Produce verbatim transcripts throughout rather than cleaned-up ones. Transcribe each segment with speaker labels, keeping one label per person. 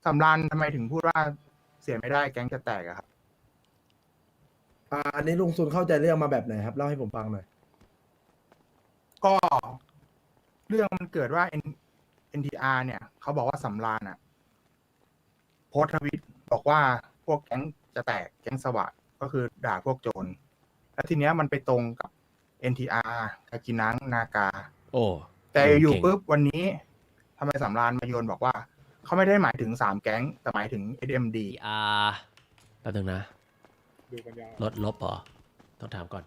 Speaker 1: สำราญทำไมถึงพูดว่าเสียไม่ได้แก๊งจะแตกอะครับ
Speaker 2: อ่าอันนี้ลุงซุนเข้าใจเรื่องมาแบบไหนครับเล่าให้ผมฟังหน่อย
Speaker 1: ก็เรื่องมันเกิดว่า N เอ็น ที อาร์ เนี่ยเขาบอกว่าสำราญอะโพสต์ทวิตบอกว่าพวกแก๊งจะแตกแก๊งสวัสดก็คือด่าพวกโจรแล้วทีเนี้ยมันไปตรงกับ เอ็น ที อาร์ กากินังนากา
Speaker 3: โอ้
Speaker 1: แต่อยู่
Speaker 3: เก่ง
Speaker 1: ปุ๊บวันนี้ทำไมสำราญมาโยนบอกว่าเขาไม่ได้หมายถึงสามแก๊งแต่หมายถึง เอส เอ็ม ดี
Speaker 3: อ่าแป๊บนึงนะ
Speaker 4: ดูกันยาว
Speaker 3: ลดลบเหรอ ต้องถามก่อน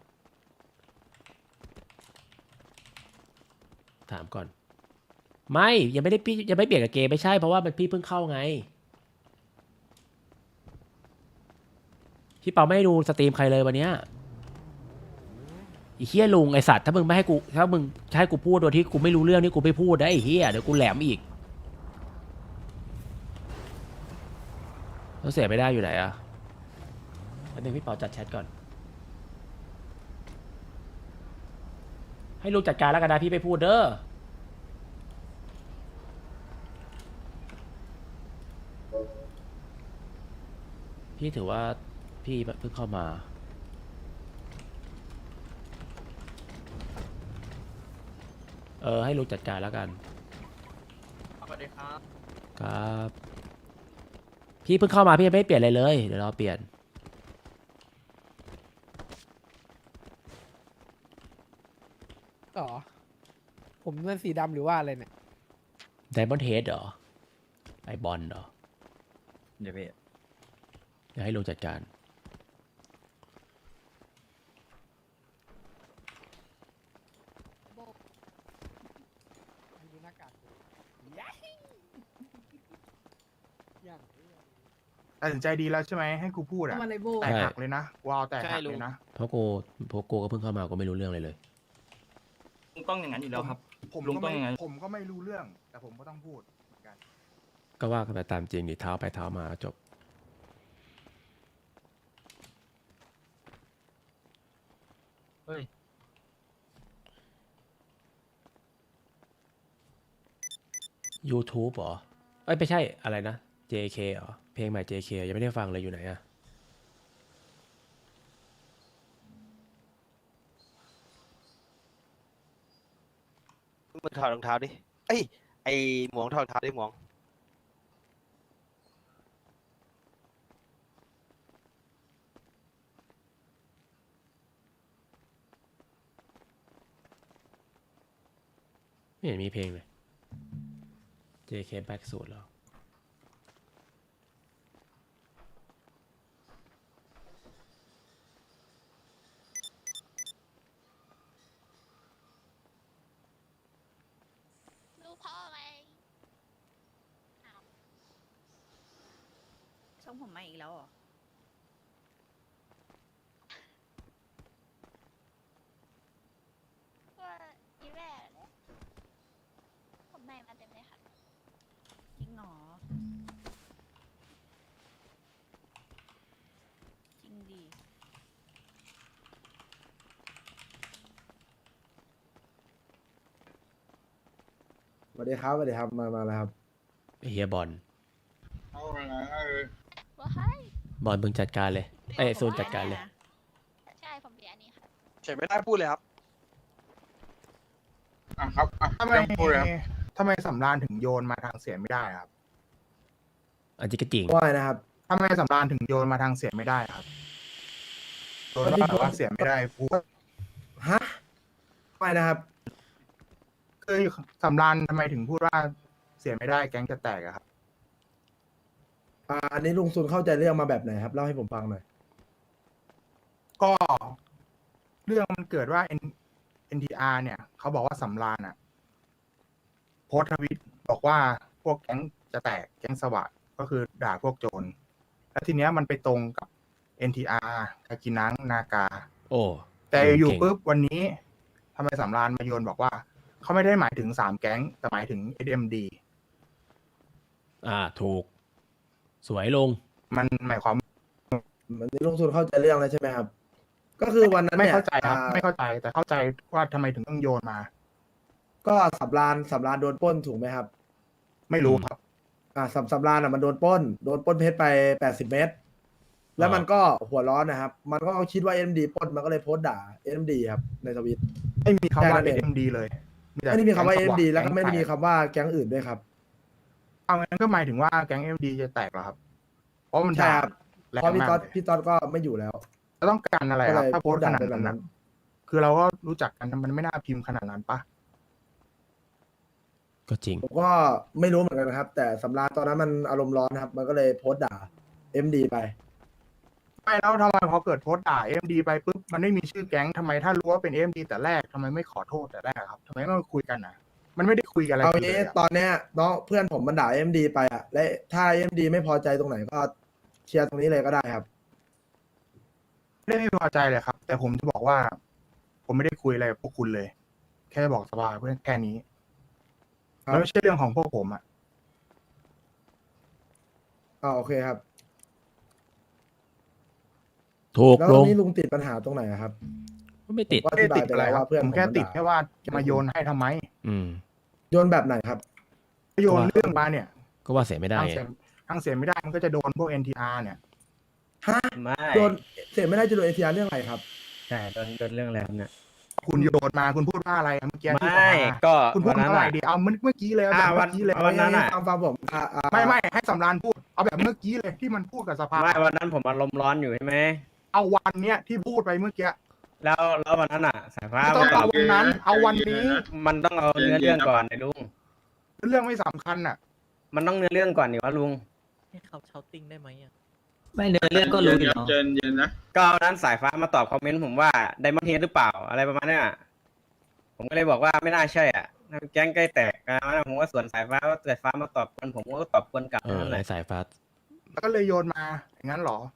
Speaker 3: ถามก่อน ไม่ ยังไม่ได้พี่ยังไม่เปลี่ยนกับเกมไม่ใช่ เพราะว่ามันพี่เพิ่งเข้าไง พี่เปาไม่ได้ดูสตรีมใครเลยวันเนี้ยไอ้เฮียลุงไอสัตว์ถ้ามึงไม่ให้กูถ้ามึงจะให้กูพูดโดยที่กูไม่รู้เรื่องนี่กูไม่พูดนะไอ้เฮียเดี๋ยวกูแหลมอีกแล้วเสียไม่ได้อยู่ไหนอะอันนึงพี่เปาจัดแชทก่อน ให้ลุงจัดการแล้วกันนะพี่ไม่พูดเด้อพี่ถือว่าพี่เพิ่งเข้ามาเออให้ลุงจัดการแล้วกัน
Speaker 1: สวัสดีครับ
Speaker 3: ครับพี่เพิ่งเข้ามาพี่ยังไม่ได้เปลี่ยนอะไรเลยเดี๋ยวรอเปลี่ยน
Speaker 5: อ๋อผมเป็นสีดำหรือว่าอะไรเนี่ย
Speaker 3: ไดมอนด์เฮดเหรอไอบอลเหรอ
Speaker 6: เดี๋ยวพี่
Speaker 3: เดี๋ยวให้ลุงจัดการ
Speaker 5: ดูหน้ากากดูยัยอย่าง
Speaker 1: ตัดสินใจดีแล้วใช่ไหมให้กูพูดอะ
Speaker 7: ทำอะไรโบ
Speaker 1: แตกหักเลยนะวาวแตกหัก
Speaker 6: ใช่ลุ
Speaker 1: เล
Speaker 6: ง
Speaker 1: ยนะ
Speaker 3: เพราะกูเพราะกูก็เพิ่งเข้ามากูไม่รู้เรื่องเลยเลย
Speaker 6: ลุงต้องอย่างนั้นอยู่แล้วครับ
Speaker 1: ผม
Speaker 6: ลุง
Speaker 1: ก็
Speaker 6: ต้อง
Speaker 1: ไม่
Speaker 6: ยังไง
Speaker 1: ผมก็ไม่รู้เรื่อง แต่ผมก็ต้องพูดเหมือนกัน
Speaker 3: ก็ว่ากันไปตามจริงดิเท้าไปเท้ามาจบ
Speaker 6: เฮ้ย
Speaker 3: YouTube เหรอเอ้ยไม่ใช่อะไรนะ เจ เค เหรอเพลงใหม่ เจ เค ยังไม่ได้ฟังเลยอยู่ไหนอะ
Speaker 8: มึงถอดรองเท้าดิ เอ้ย ไอหมวงถอดรองเท้าดิหมวง
Speaker 3: ไม่เห็นมีเพลงเลย เจ เค Back สูตรแล้ว
Speaker 7: ลูกพ่อไหมช่องผมมาอีกแล้วเหรอว่าอีแม่เนี่ยผมใหม่มาเต็มเลยค่ะจริงหรอจริงดี
Speaker 2: สวัสดีครับสวัสดีครับมามาแล้วครับ
Speaker 3: ไอ้เฮียบอล
Speaker 4: เอาไปไหนเออ
Speaker 7: ว่าให้
Speaker 3: บอลมึงจัดการเลยไอ้ยซูนจัดการเลย
Speaker 7: ใช่ผมเรียนอันนี้ค่ะ
Speaker 8: เฉยไม่ได้พูดเลยครับ
Speaker 4: อ่ะครับอ่ะ
Speaker 1: ทำไม
Speaker 4: ยังพูดเลยครับ
Speaker 1: ทำไมสำราญถึงโยนมาทางเสียไม่ได้ครับ
Speaker 3: อันนี้ก็จริง
Speaker 2: ว่าไงนะครับ
Speaker 1: ทำไมสำราญถึงโยนมาทางเสียไม่ได้ครับโยนว่าแบบว่าเสียไม่ได้พูด
Speaker 2: ฮะไม่นะครับ
Speaker 1: คือสำราญทำไมถึงพูดว่าเสียไม่ได้แก๊งจะแตกอะครับ
Speaker 2: อ่าอันนี้ลุงซุนเข้าใจเรื่องมาแบบไหนครับเล่าให้ผมฟังหน่อย
Speaker 1: ก็เรื่องมันเกิดว่า N เอ็น ที อาร์ เนี่ยเขาบอกว่าสำราญอะโพสต์ทวิตบอกว่าพวกแก๊งจะแตกแก๊งสวัสดก็คือด่าพวกโจรแล้วทีเนี้ยมันไปตรงกับ เอ็น ที อาร์ กากินังนากา
Speaker 3: โอ้
Speaker 1: แต่อยู่
Speaker 3: เก่ง
Speaker 1: ปุ๊บวันนี้ทำไมสำราญมาโยนบอกว่าเขาไม่ได้หมายถึงสามแก๊งแต่หมายถึง เอส เอ็ม ดี
Speaker 3: อ่าถูก สวยลง
Speaker 1: มันหมายความ
Speaker 2: อันนี้ลุงซุนเข้าใจเรื่องแล้วใช่ไหมครับ ก็คือวันนั้น
Speaker 1: ไม่
Speaker 2: เนี่ย
Speaker 1: เข้าใจครับ
Speaker 2: อ่า
Speaker 1: ไม่เข้าใจแต่เข้าใจว่าทำไมถึงต้องโยนมา
Speaker 2: ก็สำรานสำรานโดนปล้นถูกไหมครับ
Speaker 1: ไม่รู้ครับ
Speaker 2: อ่าสำสำรานอ่ะมันโดนปล้นโดนปล้นเพชรไปแปดสิบเมตร แล้วมันก็หัวร้อนนะครับ มันก็คิดว่าเอ็มดีปล้นมันก็เลยโพสต์ด่าเอ็มดีครับในทวิต
Speaker 1: ไม่มีคำว่า
Speaker 2: แค่นั้นเอง
Speaker 1: เอ็มดีเลยแต่
Speaker 2: ไม่ได้มีคำว่า
Speaker 1: แก๊
Speaker 2: เอ็
Speaker 1: ง
Speaker 2: ม
Speaker 1: ส
Speaker 2: ดี
Speaker 1: ง
Speaker 2: แล้วก็ไม่ได้มี
Speaker 1: แก๊ง
Speaker 2: คำว่าแก๊งอื่นด้วยครับ
Speaker 1: เอางั้นก็หมายถึงว่าแก๊งเอ็มดีจะแตกเหรอครับ เพราะมัน
Speaker 2: ใช่
Speaker 1: ด่า
Speaker 2: ครับ
Speaker 1: แรง
Speaker 2: เพราะพี่
Speaker 1: มาก
Speaker 2: ต๊อด
Speaker 1: เลย
Speaker 2: พี่ต๊อดก็ไม่อยู่แล้ว
Speaker 1: แล้วต้องการอะไรครับ
Speaker 2: ก็เลย
Speaker 1: ถ้าโพสต์ขนาด
Speaker 2: ด่าไปแบบนั้
Speaker 1: นั้น นนะคือเราก็รู้จักกันมันไม่น่าพิมพ์ขนาดนั้นปะ
Speaker 3: ก็จริง
Speaker 2: ผมก็ไม่รู้เหมือนกันนะครับ แต่สำรานตอนนั้นมันอารมณ์ร้อนนะครับ มันก็เลยโพสต์ด่าเอ็มดีไป
Speaker 1: ไม่แล้วทำไมพอเกิดโพสต์ด่าเอ็มดีไปปุ๊บมันไม่มีชื่อแก๊งทำไมถ้ารู้ว่าเป็นเอ็มดีแต่แรกทำไมไม่ขอโทษแต่แรกครับทำไมไม่มาคุยกันนะมันไม่ได้คุยกันอะไร
Speaker 2: เอา
Speaker 1: กันเล
Speaker 2: งี้
Speaker 1: ย
Speaker 2: ต
Speaker 1: อะ
Speaker 2: อนเนี้ยน้องเพื่อนผมมันด่าเอ็มดีไปอ่ะ และถ้าเอ็มดีไม่พอใจตรงไหนก็เคลียร์ตรงนี้เลยก็ได้ครับ
Speaker 1: ไม่ได้ไม่พอใจเลยครับ แต่ผมจะบอกว่า ผมไม่ได้คุยอะไรกับพวกคุณเลย แค่บอกสบายเพื่อนแค่นี้
Speaker 2: ครับ
Speaker 1: แล้วไม่ใช่เรื่องของพวกผมอ่ะ
Speaker 2: อ่าโอเคครับ
Speaker 3: ถูก
Speaker 2: แล้ว
Speaker 3: ล
Speaker 2: ตรง
Speaker 3: ง
Speaker 2: นี้ลุงติดปัญหาตรงไหนอะครับ
Speaker 3: ไม่ติด
Speaker 2: ก็อธิบายไปแล้วว่าเพื่อน
Speaker 1: ผมแค่
Speaker 2: ผม
Speaker 1: ติด
Speaker 2: ด่า
Speaker 1: แค่ว่าจะมาโยนให้ทำไม
Speaker 3: อืม
Speaker 2: โยนแบบไหนครับ
Speaker 1: โยนเรื่องมาเนี่ย
Speaker 3: ก็ว่าเสียไม่ได้
Speaker 1: ทาง
Speaker 3: ไง
Speaker 1: เสียทางเสียไม่ได้มันก็จะโดนพวก เอ็น ที อาร์ เนี่ย
Speaker 2: ฮะ
Speaker 6: ไม่
Speaker 2: โดนเสียไม่ได้จะโดนเอทีอาร์เรื่องอะไรครับ
Speaker 6: ใช่โดนโดนเรื่องอะไรครับเนี่ย
Speaker 1: คุณโยนมาคุณพูดว่าอะไรเมื่อกี้ที่
Speaker 6: ไม่
Speaker 1: สภา
Speaker 6: ก็
Speaker 1: คุณพู
Speaker 6: วั
Speaker 1: ด
Speaker 6: นนั้น
Speaker 1: เท่าไหร่
Speaker 6: อะ
Speaker 1: ดีเอาเมื่อเมื่อกี้เลยเอา
Speaker 6: อ่า
Speaker 1: แบบ
Speaker 6: วั
Speaker 1: เมื่อกี้เลย
Speaker 6: วันนั้นอะ
Speaker 2: ฟังฟังผมอ่าอ่า
Speaker 1: ไม่ไม่ให้สำรานพูดเอาแบบเมื่อกี้เลยที่มันพูดกับสภา
Speaker 6: ไม่วันนั้นผมอารมณ์ร้อนอยู่ใช่ไหม
Speaker 1: เอาวันเนี้ยที่พูดไปเมื่อกี้
Speaker 6: แล้วแล้ววันนั้นอ่ะ สายฟ้า
Speaker 1: ไม่ต้อ
Speaker 6: มาง ตอ
Speaker 1: เอา
Speaker 6: บ
Speaker 1: วันนั้น เอาวันนี้
Speaker 6: มันต้องเอาเนื้อเรื่องก่อนไอ้ลุง
Speaker 1: เรื่องไม่สำคัญอ่ะ
Speaker 6: มันต้องเนื้อเรื่องก่อนดิวะลุง
Speaker 9: ให้เขาเชาติ้งได้ไหมอ่ะ
Speaker 10: ไม่เนื้อเรื่องก็รู้อยู่แล้ว
Speaker 4: เจนเย็นนะ
Speaker 6: ก็วันนั้นสายฟ้ามาตอบคอมเมนต์ผมว่าไดมอนด์เฮดหรือเปล่าอะไรประมาณเนี้ยผมก็เลยบอกว่าไม่น่าใช่อ่ะแก๊งใกล้แตกนะผมก็ส่วนสายฟ้าว่าสายฟ้ามาตอบกวนผมก็ตอบกวนกลับ
Speaker 3: เออ
Speaker 6: นั่นแห
Speaker 3: ใน
Speaker 6: ละ
Speaker 3: สายฟ้า
Speaker 1: แล้วก็เลยโยนมาอย่างนั้นเหรอ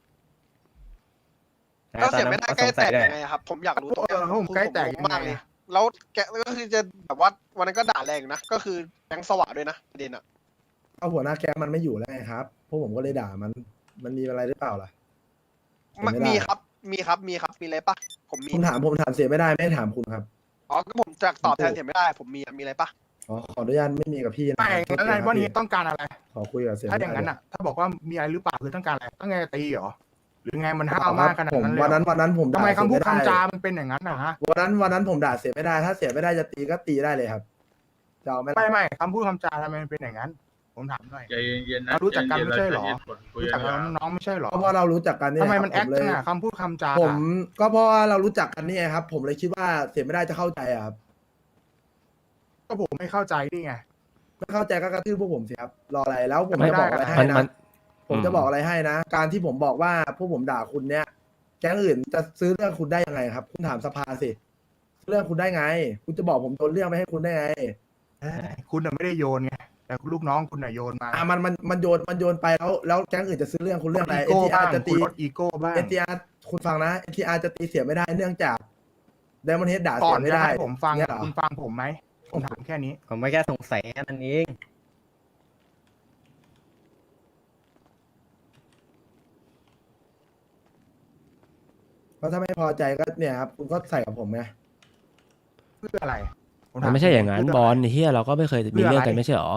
Speaker 8: แล้วเสียไม่ได้ใกล้แตก
Speaker 6: ด้
Speaker 8: ยังไงอะครับ ผมอยากรู้ตรง
Speaker 1: เอ
Speaker 8: เนี้ย
Speaker 1: อผมใกล้แตกยังไง
Speaker 8: มากเลยแล้วแกก็คือจะแบบว่าวันนั้นก็ด่าแรงอยู่นะ ก็คือแก๊งสว่างด้วยนะประเด็นอะ
Speaker 2: เอาหัวหน้าแก๊งมันไม่อยู่แล้วไงครับ พวกผมก็เลยด่ามัน มันมีอะไรหรือเปล่าล่ะ
Speaker 8: มัน
Speaker 2: ไม่ได้
Speaker 8: มีครับ มีครับ มีครับ มีอะไรปะผมมี
Speaker 2: ผมถามผมถามเสียไม่ได้ไม่ได้ถามคุณครับ
Speaker 8: อ๋อ ก็ผมจะตอบแทนเสียไม่ได้ ผมมีอะมีอะไรปะ
Speaker 2: อ๋อขออนุญาตไม่มีกับพี่นะ
Speaker 1: ไม่
Speaker 2: ครับ
Speaker 1: แล้วไง
Speaker 2: โทษทีครับ
Speaker 1: วันนี้
Speaker 2: พี่
Speaker 1: ต้องการอะไร
Speaker 2: ขอคุยกับเสีย
Speaker 1: ถ้า
Speaker 2: ไม่
Speaker 1: อย่าง
Speaker 2: ได้
Speaker 1: นั้นอ่ะ ถ้าบอกว่ามีอะไรหรือเปล่าคือต้องการอะไรต้องไงตีเหรอหรือไงมันห้า
Speaker 2: เอา
Speaker 1: ว
Speaker 2: ครั
Speaker 1: มา
Speaker 2: บ
Speaker 1: กขนาด
Speaker 2: ผม
Speaker 1: นั้นเลย
Speaker 2: วันนั้น
Speaker 1: เหรอ
Speaker 2: วันนั้นผม
Speaker 1: ทำไม
Speaker 2: ด่า
Speaker 1: คำพูด
Speaker 2: เสียไม่
Speaker 1: คำ
Speaker 2: ได้
Speaker 1: จามันเป็นอย่างนั้นนะฮะ
Speaker 2: วันนั้นวันนั้นผมด่าเสียไม่ได้ ถ้าเสียไม่ได้จะตีก็ตีได้เลยครับจะเอาไหมล่ะ
Speaker 1: ไม่ไม่คำพูดคำจาทำไมมันเป็นอย่างนั้น ผมถามหน่อย
Speaker 4: ใจเย็นๆนะ
Speaker 1: เรารู้จักกันไม่ใช่เหรอ
Speaker 4: ใจย็นๆคุย
Speaker 1: รู้
Speaker 4: กั
Speaker 1: จั
Speaker 4: น
Speaker 1: กกันน้องไม่ใช่เหรอ
Speaker 2: ก็เพราะเรารู้จักกันเนี่ย
Speaker 1: ทำไมมัน
Speaker 2: ค
Speaker 1: แอ
Speaker 2: รับ
Speaker 1: ค
Speaker 2: ผเล
Speaker 1: จั
Speaker 2: ย
Speaker 1: งอะคำพูดคำจา
Speaker 2: ผมก็เพราะว่าเรารู้จักกันเนี่ยครับ ผมเลยคิดว่าเสียไม่ได้จะเข้าใจอะครับ
Speaker 1: ก็ผมไม่เข้าใจนี่ไง
Speaker 2: ไม่เข้าใจก็กระทืบพวกผมสิครับรออะไรแล้วผม
Speaker 1: ไม่
Speaker 2: จะ
Speaker 1: ได้
Speaker 2: บอกอะไรให้
Speaker 3: มันมั
Speaker 2: นะ
Speaker 3: น
Speaker 2: ผมจะบอกอะไรให้นะ การที่ผมบอกว่าพวกผมด่าคุณเนี่ยแก๊งอื่นจะซื้อเรื่องคุณได้ยังไงครับ คุณถามสภาสิซื้อเรื่องคุณได้ไง คุณจะบอกผมโดนเรื่องไปให้คุณได้ไง
Speaker 1: เอ้ยคุณน่ะไม่ได้โยนไงแต่ลูกน้องคุณน่ะโยนมา
Speaker 2: อ่ะมันมันมันโยนมันโยนไปแล้วแล้วแก๊งอื่นจะซื้อเรื่องคุณเรื่องอะไร
Speaker 1: อี
Speaker 2: เอ
Speaker 1: โก้
Speaker 2: ทีอา
Speaker 1: บ้าง
Speaker 2: ร์จะ
Speaker 1: คุ
Speaker 2: ตี
Speaker 1: ณลดอีโก้บ้าง
Speaker 2: เอทีอาร์คุณฟังนะเอทีอาร์จะตีเสียไม่ได้เนื่องจากไดมอนเฮดด่า
Speaker 1: ก่
Speaker 2: เสี
Speaker 1: อน
Speaker 2: ยไม่
Speaker 1: จะ
Speaker 2: ได้
Speaker 1: ให้ผมฟัง
Speaker 2: เนี่ยเหรอ
Speaker 1: คุณฟังผมไหมผมถามแค่นี้
Speaker 6: ผมไม่แค่สงสัยแค่นั้นเอง
Speaker 2: เพราะถ้าไม่พอใจก็เนี่ยครับคุณก็ใส่กับผมไง
Speaker 1: เพื่ออะไรผ
Speaker 3: มัน
Speaker 1: ถ
Speaker 3: ไม่ใช่อย่างนั้น
Speaker 1: เพื่
Speaker 3: บอล
Speaker 1: ะไร
Speaker 3: เฮียเราก็ไม่เคยมีเรื่องกันไม่ใช่หรอ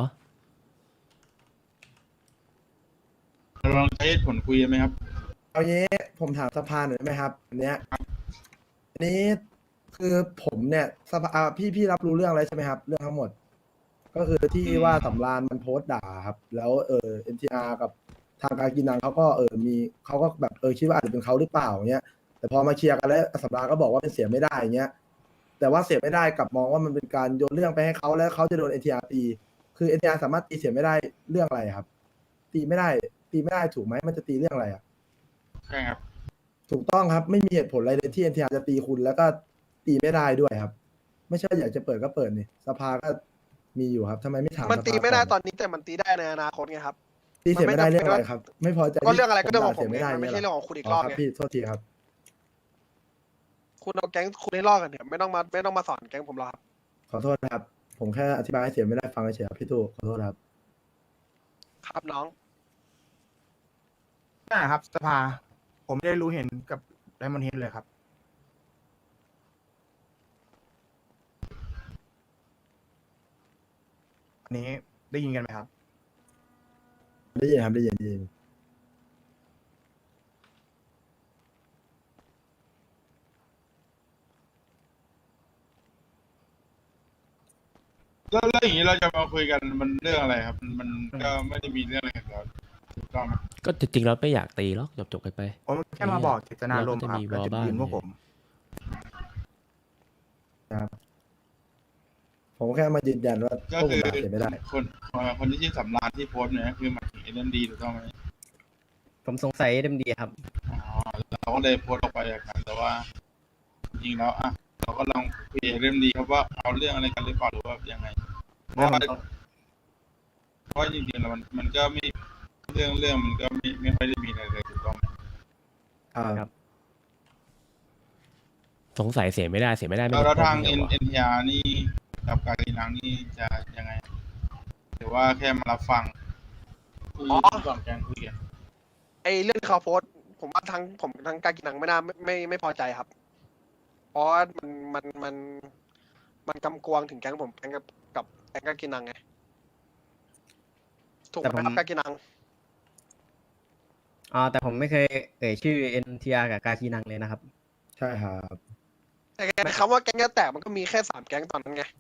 Speaker 4: ลองใช้เหตุผลคุยกันไหมครับ
Speaker 2: เอางี้ผมถามสภาหน่อยได้ไหมครับอันเนี้ยอันนี้คือผมเนี่ยสภาอ่าพี่พี่รับรู้เรื่องอะไรใช่ไหมครับ เรื่องทั้งหมด ก็คือที่ว่าสำรานมันโพสต์ด่าครับ แล้วเออเอ็นทีอาร์กับทางการกินนังเขาก็เออมีเขาก็แบบเออคิดว่าอาจจะเป็นเขาหรือเปล่าเงี้ยแต่พอมาเคลียร์กันแล้วสำรานก็บอกว่าเป็นเสียไม่ได้เงี้ยแต่ว่าเสียไม่ได้กลับมองว่ามันเป็นการโยนเรื่องไปให้เขาแล้วเขาจะโดนเอ็นทีอาร์ตีคือเอ็นทีอาร์สามารถตีเสียไม่ได้เรื่องอะไรครับ ตีไม่ได้ ตีไม่ได้ถูกไหมมันจะตีเรื่องอะไรอ่ะ
Speaker 4: ใช่ครับ
Speaker 2: ถูกต้องครับไม่มีเหตุผลอะไรเลยที่เอ็นทีอาร์จะตีคุณแล้วก็ตีไม่ได้ด้วยครับ ไม่ใช่อยากจะเปิดก็เปิดนี่สภาก็มีอยู่ครับทำไมไม่ถาม
Speaker 8: มันตี
Speaker 2: สภา
Speaker 8: ไม่ได้
Speaker 2: ก่
Speaker 8: ตอนนี้แต่มันตีได้ในอนาคตไงครับ
Speaker 2: ตีเสียไม่ได้เรื่องอะไรครับ ไม่พอใจ
Speaker 8: ก็เรื่องอะไรก็เรื่องของผม
Speaker 2: ด่า
Speaker 8: เอ
Speaker 2: เสีย
Speaker 8: งมันไม่ใช่
Speaker 2: ย
Speaker 8: เรื่องของคุณอีก
Speaker 2: อ๋
Speaker 8: ร
Speaker 2: อ
Speaker 8: อบ
Speaker 2: ครับ
Speaker 8: ไง
Speaker 2: พี่โทษทีครับ
Speaker 8: คุณเอาแก๊งคุณให้รอดกันเถอะไม่ต้องมาไม่ต้องมาสอนแก๊งผมหรอกครับ
Speaker 2: ขอโทษนะครับ ผมแค่อธิบายให้เสียไม่ได้ฟังเฉยๆครับพี่ตู้ขอโทษครับ
Speaker 8: ครับน้อง
Speaker 1: นะครับสภา ผมไม่ได้รู้เห็นกับไดมอนด์เฮดเลยครับ อันนี้ได้ยินกันไหมครับ
Speaker 2: ได้ยินครับได้ยินได้ยิน
Speaker 4: แล้วแล้วอย่างนี้เราจะมาคุยกันมันเรื่องอะไรครับ มันมันก็ไม่ได้มีเรื่องอะไรกันแล้วถูกต้องไหม
Speaker 3: ก็จริงๆเราไม่อยากตีหรอกจบๆกันไป
Speaker 1: ผมแค่มาบอกเจตนารมณ์ครับ
Speaker 3: เราก็จะมี
Speaker 1: และจุดยืน
Speaker 3: วอลบ้าง
Speaker 1: พวกผม
Speaker 2: ผมแค่มายืนยันว่า
Speaker 4: ก็
Speaker 2: พวกผ
Speaker 4: คื
Speaker 2: ม
Speaker 4: อ
Speaker 2: ด่าเสียไม่ได้
Speaker 4: คนคนที่ชื่อสำราญที่โพสต์เนี่ยคือหมายถึงเอ็นดีถูกต้องไหม
Speaker 6: ผมสงสัยเดมดีครับ
Speaker 4: อ๋อเราก็เลยโพสต์ออกไปอย่างนั้นแต่ว่า จริงๆแล้วอ่ะเราก็ลองคุยเรื่องดีครับว่าเอาเรื่องอะไรกันหรือเปล่าหรือว่ายังไงเพราะว่าเพราะว่าจริงๆแล้วมันมันก็ไม่เรื่องเรื่องมันก็ไม่ไม่ค่อยได้มีอะไรเลยถูกต้องไหม
Speaker 2: อ่า
Speaker 6: ครับ
Speaker 3: สงสัยเสียไม่ได้เสียไม่ได้ไม่
Speaker 4: แล้วแล้ว
Speaker 3: ได้
Speaker 4: ทาง
Speaker 3: ผ
Speaker 4: เอ็
Speaker 3: ม
Speaker 4: น
Speaker 3: ว่า
Speaker 4: เอ็นทีอาร์นี่กับการีนังนี่จะยังไงหรือว่าแค่มารับฟังที่
Speaker 8: อ๋อ
Speaker 4: สองแกงคุยกัน
Speaker 8: ไอเรื่องที่เขาโพสต์ผมว่าทั้งผมทั้งการกินหนังไม่น่าไม่ไม่ไม่พอใจครับ เพราะว่ามันมันมันมันกำกวงถึงแก๊งผมแก๊งกับกับแก๊งการกินหนังไงถูกไหม
Speaker 6: แต่ผม
Speaker 8: ครับการกินหนัง
Speaker 6: อ๋อแต่ผมไม่เคยเอ่ยชื่อ เอ็น ที อาร์ กับกาคีนังเลยนะครับ
Speaker 2: ใช่ครับ
Speaker 8: แต่คำว่าแก๊งจะแตกมันก็มีแค่สามแก๊งตอนนั้นไง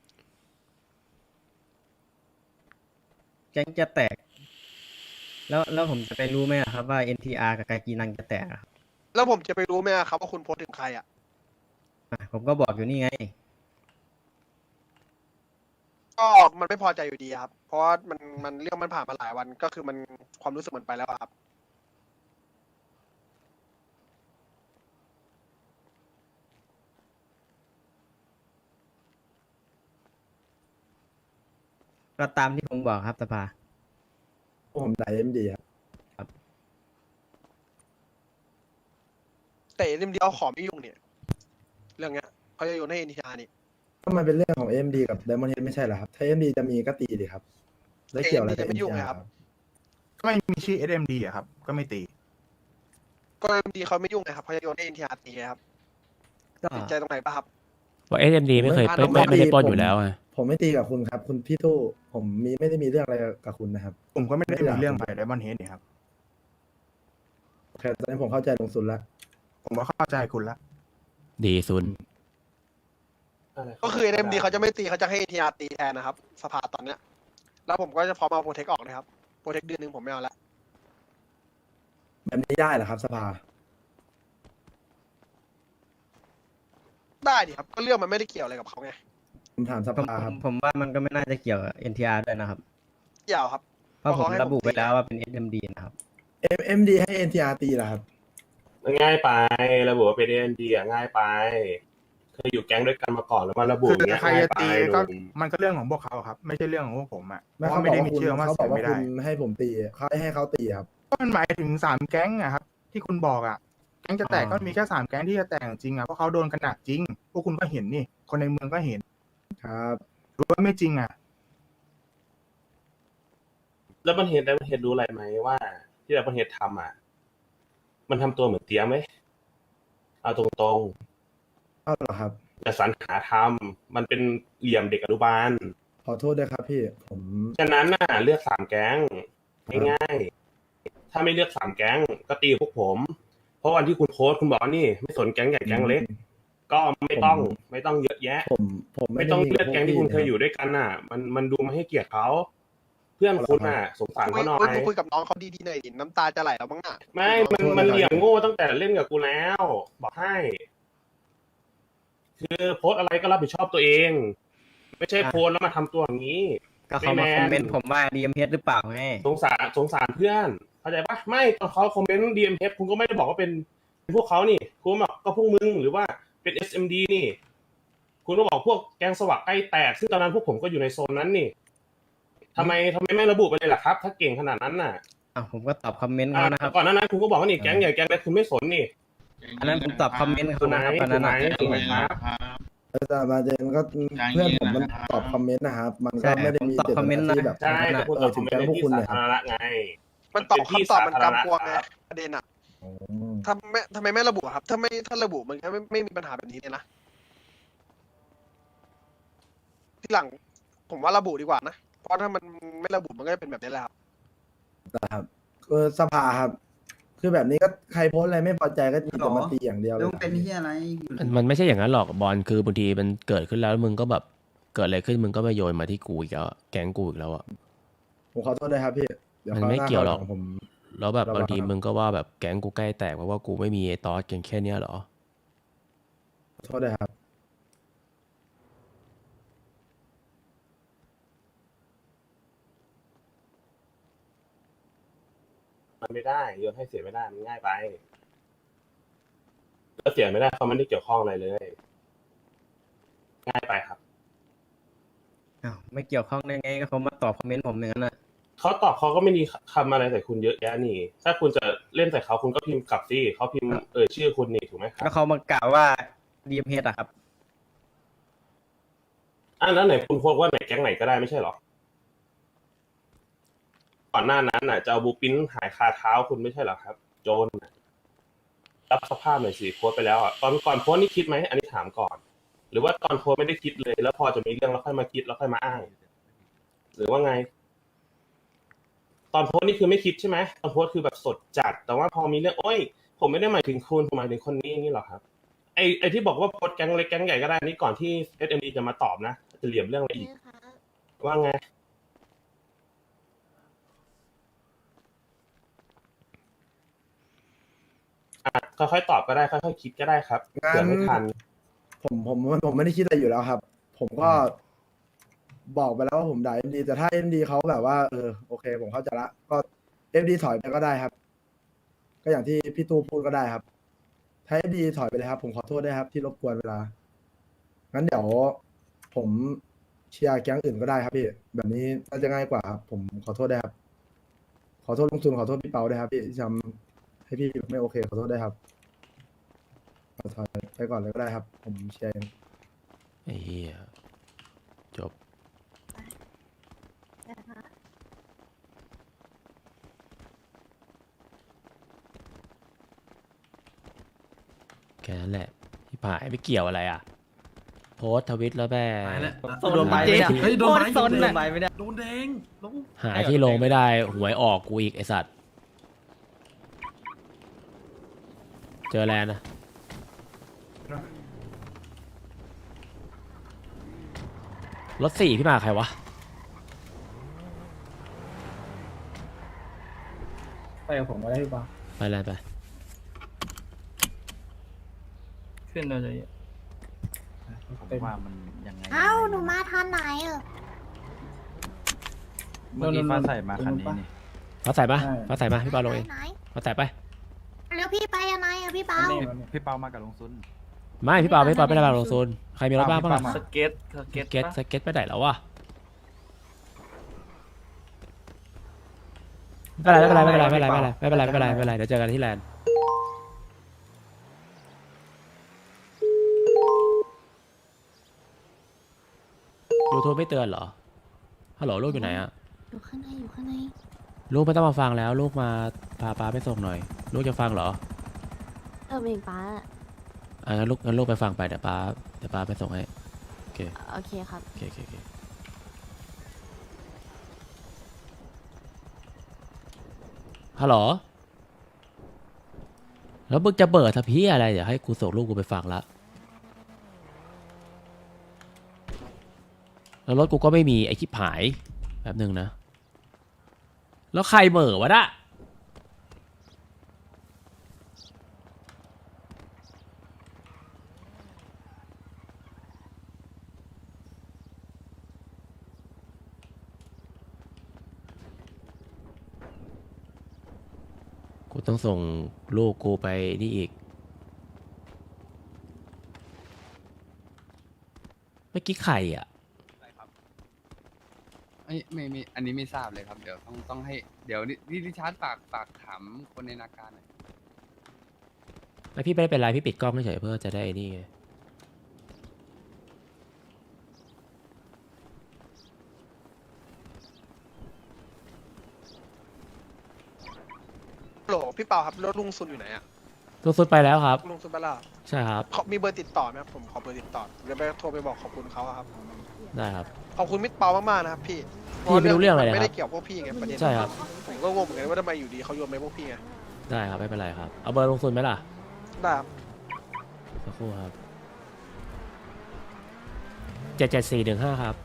Speaker 6: แก๊งจะแตก แล้วแล้วผมจะไปรู้ไหมอะครับว่า เอ็น ที อาร์ กับกากีนังจะแตกอะครับ
Speaker 8: แล้วผมจะไปรู้ไหมอะครับว่าคุณโพสต์ถึงใครอ่ะ
Speaker 6: อ่ะผมก็บอกอยู่นี่ไง
Speaker 8: ก็มันไม่พอใจอยู่ดีครับ เพราะว่ามันมันเรื่องมันผ่านมาหลายวันก็คือมันความรู้สึกมันไปแล้วอะครับ
Speaker 6: ก็ตามที่ผมบอกครับสภา
Speaker 2: พวกผมด่าเอ็มดีครับ
Speaker 8: แต่เรื่องเดียวขอไม่ยุ่งเนี่ย เรื่องเนี้ยเขาจะโยนให้เอ็นทีอาร์นี่
Speaker 2: ก็มันเป็นเรื่องของเอ็มดีกับไดมอนด์เฮดไม่ใช่เหรอครับ ถ้าเอ็มดีจะมีก็ตีดิครับ แล้วเกี่ยวอะไรกับ
Speaker 8: เอ็มดีจะไม่ยุ่ง
Speaker 2: เอ็น
Speaker 8: ไง
Speaker 2: ที
Speaker 8: ครั
Speaker 2: อา
Speaker 8: บ
Speaker 2: ร์
Speaker 1: ก็ไม่มีชื่อ เอส เอ็ม ดี อะครับ ก็ไม่ตี
Speaker 8: ก็เอ็มดีเขาไม่ยุ่งไงครับเขาจะโยนให้เอ็นทีอาร์ตีไงครับ
Speaker 6: ก็
Speaker 8: ติดใจตรงไหนปะครับ
Speaker 3: ว่า เอส เอ็ม ดี ไม่เคย
Speaker 8: ผมไม่
Speaker 3: ไม่ไม่ไม่ได้ปล้น
Speaker 2: ผม
Speaker 3: อยู่แล้วอะ
Speaker 2: ผมไม่ตีกับคุณครับ คุณพี่ตู้ผมมีไม่ได้มีเรื่องอะไรกับคุณนะครับ
Speaker 1: ผมก็ไม่ได้
Speaker 2: ไม่ได้
Speaker 1: มีเรื่องไปไดมอนเฮดนี่ครับ
Speaker 2: โอเคตอนนี้ผมเข้าใจลงสุดแล้ว
Speaker 1: ผมก็เข้าใจคุณละ
Speaker 3: ดีซุน
Speaker 8: ก็คือเอ็มดีเขาจะไม่ตีเขาจะให้เอ็นทีอาร์ตีแทนนะครับสภาตอนเนี้ย แล้วผมก็จะพร้อมเอาโปรเทคออกเลยครับโปรเทคเดือนหนึ่งผมไม่เอาละ
Speaker 2: แบบนี้ได้เหรอครับสภา
Speaker 8: ได้ดิครับ ก็เรื่องมันไม่ได้เกี่ยวอะไรกับเขาไง
Speaker 2: ผมถามส
Speaker 6: ผม
Speaker 2: ภา
Speaker 6: ผ
Speaker 2: ครั
Speaker 6: ม
Speaker 2: บ
Speaker 6: ผมว่ามันก็ไม่น่าจะเกี่ยวกับ เอ็น ที อาร์ ด้วยนะครับ
Speaker 8: เกี่ยวครับ
Speaker 6: เพราะ
Speaker 8: เพ
Speaker 6: ผ
Speaker 8: ราะ
Speaker 6: ม
Speaker 8: เขาให้
Speaker 6: ระบุ
Speaker 8: ผมตี
Speaker 6: ไว้แล้วว่าเป็น เอส เอ็ม ดี นะครับ
Speaker 2: เอ็มเอ็มดีให้เอ็นทีอาร์ตีเหรอครับ
Speaker 11: ง่ายไประบุว่าเป็นเอ็นดีอ่ะง่ายไปเคยอยู่แก๊งด้วยกันมาก่อนแล้วมาระบุ
Speaker 1: คือ
Speaker 11: อย่างเงี้ย
Speaker 1: ใคร
Speaker 11: ง่าย
Speaker 1: จะ
Speaker 11: ไป
Speaker 1: ตี
Speaker 11: ห
Speaker 1: ก็
Speaker 11: นุ่ม
Speaker 1: มันก็เรื่องของพวกเขาครับ ไม่ใช่เรื่องของพวกผมอ่ะเพ
Speaker 2: ไม่
Speaker 1: ราะ
Speaker 2: เขา
Speaker 1: ว่า
Speaker 2: บ
Speaker 1: ไม่
Speaker 2: อก
Speaker 1: ได้
Speaker 2: ว่า
Speaker 1: มี
Speaker 2: คุณ
Speaker 1: เชื่อว่า
Speaker 2: เขาบ
Speaker 1: เสี
Speaker 2: อย กว่า
Speaker 1: ไม่
Speaker 2: คุ
Speaker 1: ได้
Speaker 2: ณให้ผมตีเขาให้เขาตีครับ
Speaker 1: ก็มันหมายถึงสามแก๊งอะครับ ที่คุณบอกอ่ะ แก๊งจะแตก
Speaker 2: อ๋อ
Speaker 1: ก็มีแค่สามแก๊งที่จะแตกจริงอ่ะ เพราะเขาโดนกันหนักจริง พวกคุณก็เห็นนี่ คนในเมืองก็เห็น
Speaker 2: ครับ
Speaker 1: หรือว่าไม่จริงอ่ะ
Speaker 11: แล้วมันเห็นได้มันเห็นรู้อะไรไหมว่า ที่เราเห็นทำอ่ะ มันทำตัวเหมือนเตี้ยไหมเอาตรง
Speaker 2: เอาเหรอครับ
Speaker 11: ๆแต่สรรหาทำมันเป็นเหลี่ยมเด็กอนุบาล
Speaker 2: ขอโทษด้วยครับพี่ ผม
Speaker 11: ฉะนั้นน่ะเลือกสามแก๊งง่ายๆถ้าไม่เลือกสามแก๊งก็ตีพวกผม เพราะวันที่คุณโพสต์คุณบอกว่านี่ไม่สนแก๊งใหญ่แก๊งเล็ก ก็ไม่ต้องไม่ต้องเยอะแยะ
Speaker 2: ผมผมไม่
Speaker 11: ไม่
Speaker 2: ได้
Speaker 11: ต้อง
Speaker 2: มี
Speaker 11: เลือกแก๊งที่คุณเคยอยู่ด้วยกันน่ะ มันมันดูไม่ให้เกียรติเขาเพื่อนคุณน่ะ สงสาร
Speaker 8: คุย
Speaker 11: เขาหน่อ
Speaker 8: คุย
Speaker 11: ย
Speaker 8: คุยกับน้องเขาดีๆหน่อยดิน้ำตาจะไหลแล้วบ้างน่ะ
Speaker 11: ไม่ มันมันเหลี่ยมโง่ตั้งแต่เล่นกับกูแล้ว บอกให้ คือโพสต์อะไรก็รับผิดชอบตัวเอง ไม่ใช่โพสต์แล้วมาทำตัวอย่างนี้
Speaker 6: ก็เขามาคอมเมนต์ผมว่า ดี เอ็ม เอช หรือเปล่าไง
Speaker 11: สงสารสงสารเพื่อนเข้าใจปะไม่ตอนเขาคอมเมนต์ ดี เอ็ม เอส คุณก็ไม่ได้บอกว่าเป็นเป็นพวกเขานี่คุณบอกก็พวกมึงหรือว่าเป็น เอส เอ็ม ดี นี่ คุณก็บอกพวกแก๊งสวักใกล้แตกซึ่งตอนนั้นพวกผมก็อยู่ในโซนนั้นนี่ทำไมทำไมไม่ระบุไปเลยล่ะครับ ถ้าเก่งขนาดนั้นน่ะ
Speaker 6: อ่ะผมก็ตอบคอมเมนต์
Speaker 11: อ่า
Speaker 6: เขานะครับ
Speaker 11: ก่อนหน้านั้นคุณก็บอกว่านี่แก๊งใหญ่แก๊งเล็กคุณไม่สนนี่
Speaker 6: อันนั้นผมตอบคอมเมนต์
Speaker 11: คุ
Speaker 6: เขา
Speaker 11: ณไหน
Speaker 6: นะครับอัน
Speaker 11: คุ
Speaker 6: นั้
Speaker 11: ณ
Speaker 6: น
Speaker 11: ไหน
Speaker 6: น่ะ
Speaker 11: คุณไหนครับ
Speaker 2: แต่ประเด็นก็เพื่อนผมมันตอบคอมเมนต์นะครับ มันก็ไม่ได้มีเจตนาที่แบบ
Speaker 11: ใช่แต่คุณต
Speaker 2: เอ
Speaker 11: อ
Speaker 2: อบ
Speaker 11: ค
Speaker 2: ถึ
Speaker 11: อม
Speaker 2: ง
Speaker 11: เมน
Speaker 2: แก๊ง
Speaker 11: ต์ใน
Speaker 2: พวก
Speaker 11: ที่
Speaker 2: คุณ
Speaker 11: สา
Speaker 2: เนี่ยค
Speaker 11: ธา
Speaker 2: รับ
Speaker 11: รณะไง
Speaker 8: มันตอบ
Speaker 11: เป็นที่
Speaker 8: คำตอบมัน
Speaker 11: สาธารณะ
Speaker 8: กำกวงไง
Speaker 11: ครับ
Speaker 8: ประเด็นอ่ะ
Speaker 2: อืม
Speaker 8: ถ้าไม่ทำไมไม่ระบุอะครับ ถ้าไม่ถ้าระบุมันก็ไม่ไม่มีปัญหาแบบนี้เลยนะ ที่หลัง ผมว่าระบุดีกว่านะ เพราะถ้ามันไม่ระบุมันก็จะเป็นแบบนี้แหละครับ
Speaker 2: นะครับคือสภาครับ คือแบบนี้ก็ใครโพสต์อะไรไม่พอใจก็มีแต่มาตีอย่างเดียวเลย
Speaker 10: ลุงเป็นที่อะไร
Speaker 3: มันมันไม่ใช่อย่างนั้นหรอกบอลคือบางทีมันเกิดขึ้นแล้วมึงก็แบบเกิดอะไรขึ้นมึงก็มาโยนมาที่กูอีกแล้วอะแก๊งกูอีกแล้วอะ
Speaker 2: ผมขอโทษด้วยครับพี่ดี๋
Speaker 3: มัน
Speaker 2: คราว
Speaker 3: ไม่
Speaker 2: หา
Speaker 3: เกี่ยวหรอก
Speaker 2: คราวลังผม
Speaker 3: แล้วแบบ
Speaker 2: ระวัง
Speaker 3: บางที
Speaker 2: ครับ
Speaker 3: มึงก็ว่าแบบแก๊งกูใกล้แตกเพราะว่ากูไม่มีไอ้ตอสกันแค่เนี้ยเหรอ
Speaker 2: ขอโทษด้วยครับ
Speaker 11: มันไม่ได้โยนให้เสียไม่ได้มันง่ายไปแล้วเสียไม่ได้เขาไม่ได้เกี่ยวข้องอะไรเลย ง่ายไปครับ
Speaker 6: อ้าวไม่เกี่ยวข้องได้ไงก็เขามาตอบคอมเมนต์ผมอย่างนั้นนะ
Speaker 11: เขาตอบเขาก็ไม่มีคำอะไรใส่คุณเยอะแยะนี่ ถ้าคุณจะเล่นใส่เขาคุณก็พิมพ์กลับสิเขาพิมพ์เอ่ยชื่อคุณนี่ถูกไหมครั
Speaker 6: แล้ว
Speaker 11: บ
Speaker 6: เขามากล่าวว่า ดี เอ็ม เอช อะครับ
Speaker 11: อ่ะแล้วไหนคุณโพสต์ว่าไหนแก๊งไหนก็ได้ไม่ใช่เหรอก่อนหน้านั้นน่ะจะเอาบูปินหายคาเท้าคุณไม่ใช่เหรอครับ โจรน่ะรับสภาพหน่อยสิโพสต์ไปแล้วอ่ะตอนก่อนโพสต์นี่คิดไหมอันนี้ถามก่อน หรือว่าตอนโพสต์ไม่ได้คิดเลย แล้วพอจะมีเรื่องแล้วค่อยมาคิดแล้วค่อยมาอ้าง หรือว่าไง ตอนโพสต์นี่คือไม่คิดใช่ไหมตอนโพสต์คือแบบสดจัด แต่ว่าพอมีเรื่องโอ้ย ผมไม่ได้หมายถึงคุณผมหมายถึงคนนี้นี่หรอครับ ไอไอที่บอกว่าโพสต์แก๊งเล็กแก๊งใหญ่ก็ได้นี่ก่อนที่ เอส เอ็ม ดี จะมาตอบนะจะเหลี่ยมเรื่องอะไรอีก ว่าไง อ่ะค่อยๆตอบก็ได้ค่อยๆคิดก็ได้ครับ
Speaker 2: งั้น
Speaker 11: เผื่อไม่ทัน
Speaker 2: ผมผมผมไม่ได้คิดอะไรอยู่แล้วครับ ผมก็บอกไปแล้วว่าผมด่าเอ็มดีแต่ถ้าเอ็มดีเขาแบบว่าเออโอเค ผมเข้าใจละก็เอ็มดีถอยไปก็ได้ครับ ก็อย่างที่พี่ตู้พูดก็ได้ครับ ถ้าเอ็มดีถอยไปเลยครับ ผมขอโทษด้วยครับ ที่รบกวนเวลางั้นเดี๋ยวผมเชียร์แก๊งอื่นก็ได้ครับพี่แบบนี้น่าจะง่ายกว่าครับผมขอโทษด้วยครับ ขอโทษลุงซุนขอโทษพี่เปาด้วยครับพี่ที่ทำให้พี่ไม่โอเคขอโทษด้วยครับขอถอยไปก่อนเลยก็ได้ครับ ผมเชียร์เอง
Speaker 3: ไอ้เหี้ยจบแค่นั้นแหละที่ผายไม่เกี่ยวอะไรอ่ะ โพสต์ทวิตแล้วแม่
Speaker 10: โดนใบไม่ได้เฮ้ยโดนใบโดนใบไม่ได้
Speaker 9: โดนแดงลง
Speaker 3: หาที่ลงไม่ได้หวยออกกูอีกไอสัตว์ เจอแลนด์นะรถสี่พี่มาใครวะ
Speaker 10: ไปกับผมก็ได้พี่ปา
Speaker 3: ไปแลนด์ไป
Speaker 10: ขึ้นเราเลย
Speaker 9: ผมว่ามันยังไง
Speaker 7: เอ้าหนูมาทันไหนเออ
Speaker 9: เมื่อกี้ฟ้าใส่มาคันนี้นี่
Speaker 3: ฟ้าใส่ปะฟ้าใส่ปะพี่ปาลงเอง
Speaker 7: ไหน
Speaker 3: ฟ้าใส่ไป
Speaker 7: แล้วพี่ไปยังไงอะพี่เปา
Speaker 9: พี่เปามากับลุงซุน
Speaker 3: ไม่พี่เปาพี่เปาไม่ได้มาลงโซนใครมีรถบ้างบ้าง
Speaker 9: พี่
Speaker 3: อะ
Speaker 9: เปามา
Speaker 10: สเก็ตส
Speaker 3: ส
Speaker 10: เก็ต
Speaker 3: เก็ตสเก็ตไปไหนแล้ววะไม่เป็นไรไม่เป็นไรไม่เป็นไรไม่เป็นไรไม่เป็นไรไม่เป็นไรไม่เป็นไรเดี๋ยวเจอกันที่แลนด์ยูทูบไม่เตือนเหรอฮัลโหลลูกอยู่ไหนอะ
Speaker 7: อยู่ข้างในอยู่ข้างใน
Speaker 3: ลูกไม่ต้องมาฟังแล้วลูกมาพาป้าไปส่งหน่อย ลูกจะฟังเหรอ
Speaker 7: เออเองป้า
Speaker 3: อ่ะงั้นลูกงั้นลูกไปฟังไปเดี๋ยวป้าเดี๋ยวป้าไปส่งให้โอเค
Speaker 7: โอเคครับ
Speaker 3: โอเคโอเคโอเคฮัลโหลแล้วมึงจะเบิดทพี่อะไรเดี๋ยวให้กูส่งลูกกูไปฟังละแล้วรถกูก็ไม่มีไอ้ชิบหายแป๊บหนึ่งนะ แล้วใครเหม่อวะน่ะกูต้องส่งลูกกูไปนี่อีกเมื่อกี้ใครอ่ะ
Speaker 12: ไม่ไม่ไม่อันนี้ไม่ทราบเลยครับ เดี๋ยวต้องต้องให้เดี๋ยวนี่ริชาร์ดฝากฝากถามคนในนาการหน่อย
Speaker 3: แล้วพี่ไม่ได้เป็นไรพี่ปิดกล้องเฉยๆเพื่อจะได้ไอ้นี่ไง
Speaker 8: โหลพี่เปาครับรถลุงซุนอยู่ไหนอะ
Speaker 3: ตัวสุดไปแล้วครับ
Speaker 8: ลุงซุนไปแล้ว
Speaker 3: ใช่ครับ
Speaker 8: เขามีเบอร์ติดต่อไหมครับผมขอเบอร์ติดต่อเดี๋ยวไปโทรไปบอกขอบคุณเขาอะครับ
Speaker 3: ได้ครับ
Speaker 8: ขอบคุณมิตรเปามากๆนะครับพี่
Speaker 3: พี่ไม่รู้เรื่องอะไรเลย
Speaker 8: ไม่
Speaker 3: ค
Speaker 8: ได้
Speaker 3: รับ
Speaker 8: เกี่ยวพวกพี่ไงประเด็น
Speaker 3: ใช่ครับ
Speaker 8: ผมผมก็งงเหมือนกันว่าทำไมอยู่ดีเขาโยนไปพวกพี่ไง
Speaker 3: ได้ครับไม่เป็นไรครับเอาเบอร์ลงทุนไหมล่ะ
Speaker 8: ได้ครับ
Speaker 3: สักครู่ครับเจ็ดเจ็ดสี่หนึ่งห้าครับ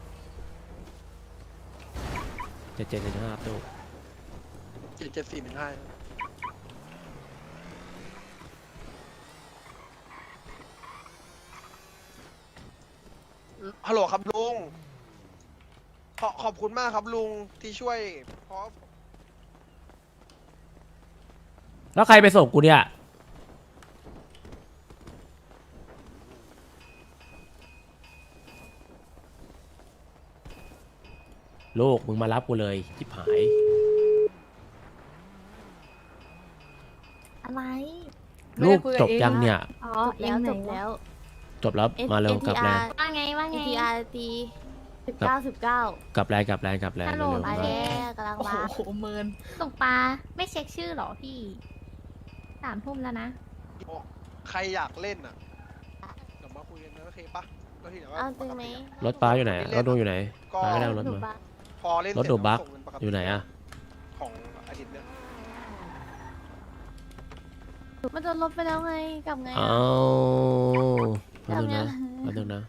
Speaker 3: เจ็ดเจ็ดหนึ่งห้าตู้
Speaker 8: เจ็ดเจ็ดสี่หนึ่งห้าฮัลโหลครับลุงขอขอบคุณมากครับลุงที่ช่วยเพราะ
Speaker 3: แล้วใครไปส่งกูเนี่ยลูกมึงมารับกูเลยจิบหาย
Speaker 7: อะไร
Speaker 3: ลูกจบยังเนี่ย
Speaker 7: อ๋อแล้วจบแล้ว
Speaker 3: จบแล้วมาเร็วกลับแลน
Speaker 7: ว่าไงว่าไง เอ็น ที อาร์ ตีสิบเก้าสิบเก้าก
Speaker 3: ลับแลนกลับแลนกลับแลน
Speaker 7: ฮัลโหล
Speaker 3: เร็ว
Speaker 7: มา
Speaker 3: ๆมา
Speaker 7: แล้วกำลัง
Speaker 5: โอ้
Speaker 7: มา
Speaker 5: โหเมิน
Speaker 7: ตกปลาไม่เช็คชื่อเหรอพี่สามทุ่มแล้วนะ
Speaker 8: ใครอยากเล่นอ่ะเดี๋ยวมาคุยกันนะโอเคปะแล้วทีเดี๋ยวว่า
Speaker 7: เอาจริงไหม
Speaker 3: รถป้าอยู่ไหนรถดูอยู่ไหน
Speaker 8: ก็
Speaker 3: ป้าไม่ได้เอารถ
Speaker 7: หนู
Speaker 3: มา
Speaker 7: ปะ
Speaker 8: พอเล่น
Speaker 3: รถ
Speaker 8: เสร็จ
Speaker 3: ดูบัค
Speaker 8: ส่งเงินปกติ
Speaker 3: อยู่ไหนอะ
Speaker 8: ของอาทิตย์เนี้ย
Speaker 7: มันจะลบไปแล้วไงกลับไง
Speaker 3: เอา
Speaker 7: อะ
Speaker 3: แป๊บนึงนะ
Speaker 7: ทำไง
Speaker 3: แป๊บนึงนะ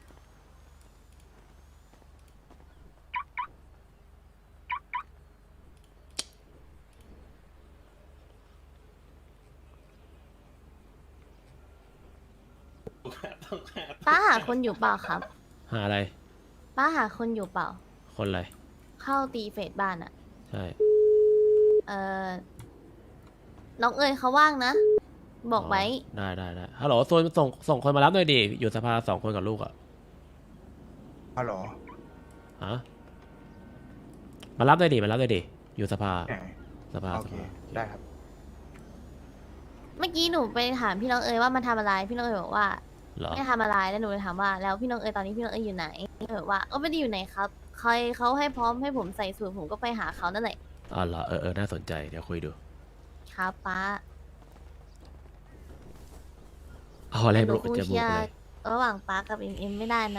Speaker 7: ป้าหาคนอยู่เปล่าครับ
Speaker 3: หาอะไร
Speaker 7: ป้าหาคนอยู่เปล่า
Speaker 3: คนอะไร
Speaker 7: เข้าตีเฟสบ้านอะ
Speaker 3: ใช่
Speaker 7: เออน้องเอ๋ยเขาว่างนะ บอกไว้
Speaker 3: ได้ได้ได้ฮัลโหลส่งส่งส่งคนมารับหน่อยดิอยู่สภาสองคนกับลูกอะ
Speaker 1: ฮัลโหล
Speaker 3: ฮะมารับหน่อยดิมารับหน่อยดิอยู่สภา
Speaker 1: แหม
Speaker 3: สภา
Speaker 1: โอ
Speaker 3: ส
Speaker 1: เค
Speaker 3: ภา
Speaker 1: ได้ครับ
Speaker 7: เมื่อกี้หนูไปถามพี่น้องเอ๋ยว่ามาทำอะไร พี่น้องเอ๋ยบอกว่า
Speaker 3: เหรอ
Speaker 7: ไม่ทำอะไรแล้วหนูเลยถามว่าแล้วพี่น้องเอ๋ยตอนนี้พี่น้องเอ๋ยอยู่ไหนพี่น้องเอ๋ยบอกว่าก็ไม่ได้อยู่ไหนครับ ใครเขาให้พร้อมให้ผมใส่สูทผมก็ไปหาเขานั่นแหละ
Speaker 3: อ๋อเหรอเออเออน่าสนใจเดี๋ยวคุยดู
Speaker 7: ครับป้า
Speaker 3: เอาอะไร
Speaker 7: หนู
Speaker 3: บุก
Speaker 7: คง
Speaker 3: จะ
Speaker 7: เชี
Speaker 3: บุก
Speaker 7: ย
Speaker 3: เล
Speaker 7: ร์
Speaker 3: ย
Speaker 7: ระหว่างป้ากับเอ็มเอ็มไม่ได้นะ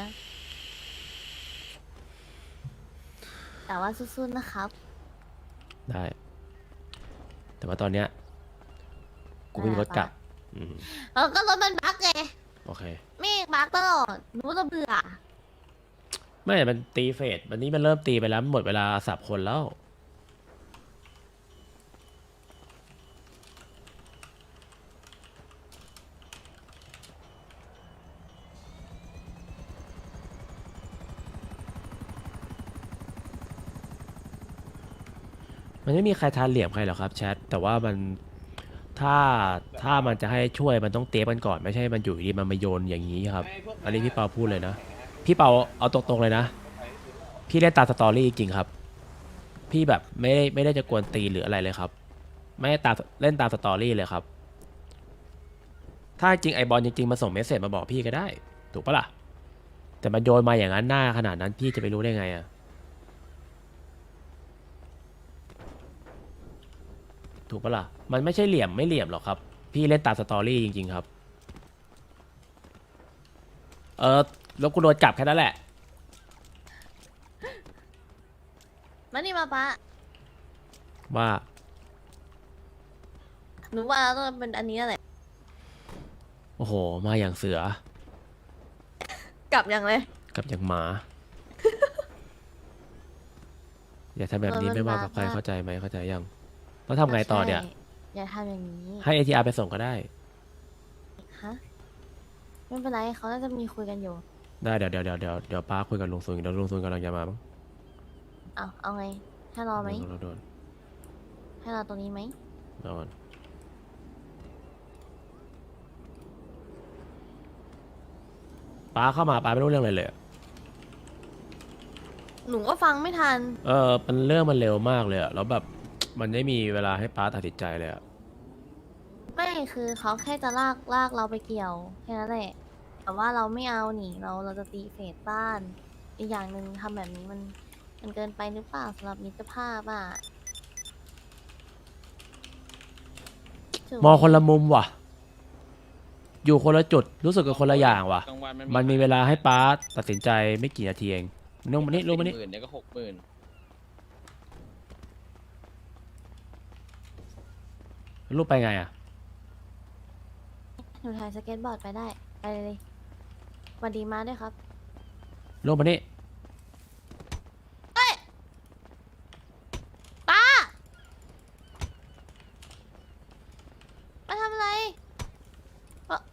Speaker 7: แต่ว่าสู้ๆนะครับ
Speaker 3: ได้ แต่ว่าตอนเนี้ยกูไม่มีรถกลับอืม
Speaker 7: เออก็รถมันบั๊กไง
Speaker 3: โอเค
Speaker 7: ไม่บั๊กตลอดหนูจะเบื่อ
Speaker 3: ไม่มันตีเฟสวันนี้มันเริ่มตีไปแล้วมันหมดเวลาสับคนแล้ว มันไม่มีใครทานเหลี่ยมใครหรอกครับแชทแต่ว่ามันถ้าถ้ามันจะให้ช่วยมันต้องเตะมันก่อนไม่ใช่มันอยู่ดีมันมาโยนอย่างนี้ครับ อันนี้พี่เปาพูดเลยนะพี่เปาเอาตรงๆเลยนะพี่เล่นตามสตอรี่จริงๆครับ พี่แบบไม่ได้ไม่ได้จะกวนตีนหรืออะไรเลยครับ ไม่ได้ตามเล่นตามสตอรี่เลยครับ ถ้าจริงไอบอลจริงๆมาส่งเมสเซจมาบอกพี่ก็ได้ ถูกปะล่ะแต่มันโยนมาอย่างนั้นหน้าขนาดนั้นพี่จะไปรู้ได้ไงอะถูกปะล่ะ มันไม่ใช่เหลี่ยมไม่เหลี่ยมหรอกครับ พี่เล่นตามสตอรี่จริงๆครับ เออแล้วกูโดนจับแค่นั้นแหละ
Speaker 7: มานี่มาป้า
Speaker 3: ว่า
Speaker 7: หนูว่าต้องเป็นอันนี้แหละ
Speaker 3: โอ้โห มาอย่างเสือ
Speaker 7: กลับยังเลย
Speaker 3: กับอย่างหมา อย่าทำแบบนี้
Speaker 7: เออมัน
Speaker 3: ไม่ว่ากับใคร
Speaker 7: บาปมาก
Speaker 3: เข้าใจไหมเข้าใจยังแล้วทำไงต่อเนี่ย
Speaker 7: ใช่อย่าทำอย่างนี้
Speaker 3: ให้ เอ ที อาร์ ไปส่งก็ได้
Speaker 7: ฮะไม่เป็นไรเขาน่าจะมีคุยกันอยู่
Speaker 3: ได้เดี๋ยวเดี๋ยวเดี๋ยวเดี๋ยวเดี๋ยวป้าคุยกับลุงซุนเดี๋ยวลุงซุนกำลังจะมามั้ง
Speaker 7: เอาเอาไงให้รอไหม
Speaker 3: โดนโดน
Speaker 7: ให้รอตรงนี้ไหม
Speaker 3: โดนป้าเข้ามาป้าไม่รู้เรื่องอะไรเลยอะ
Speaker 7: หนูก็ฟังไม่ทัน
Speaker 3: เออมันเรื่องมันเร็วมากเลยอะแล้วแบบมันไม่มีเวลาให้ป้าตัดสินใจเลยอะ
Speaker 7: ไม่คือเขาแค่จะลากลากเราไปเกี่ยวแค่นั้นแหละแต่ว่าเราไม่เอาหนีเราเราจะตีเฟสบ้าน อีกอย่างหนึ่งทำแบบนี้มันมันเกินไปหรือเปล่าสำหรับมิตรภาพอ่ะถูกไห
Speaker 3: มองคนละมุมว่ะ อยู่คนละจุดรู้สึกกับคนละอย่างว่ะ มันมีเวลาให้ป้าตัดสินใจไม่กี่นาทีเองนุ่งมานี่ลุงมานี่
Speaker 10: หมื่นเดี๋ยวก็หกหมื่น
Speaker 3: รูปไปไงอ่ะ
Speaker 7: หนูถ่ายสเก็ตบอร์ดไปได้ ไปเลยสวัสดีมาด้วยครับ
Speaker 3: รูปมานี่
Speaker 7: เฮ้ยป้ามาทำอะไรเอ่อ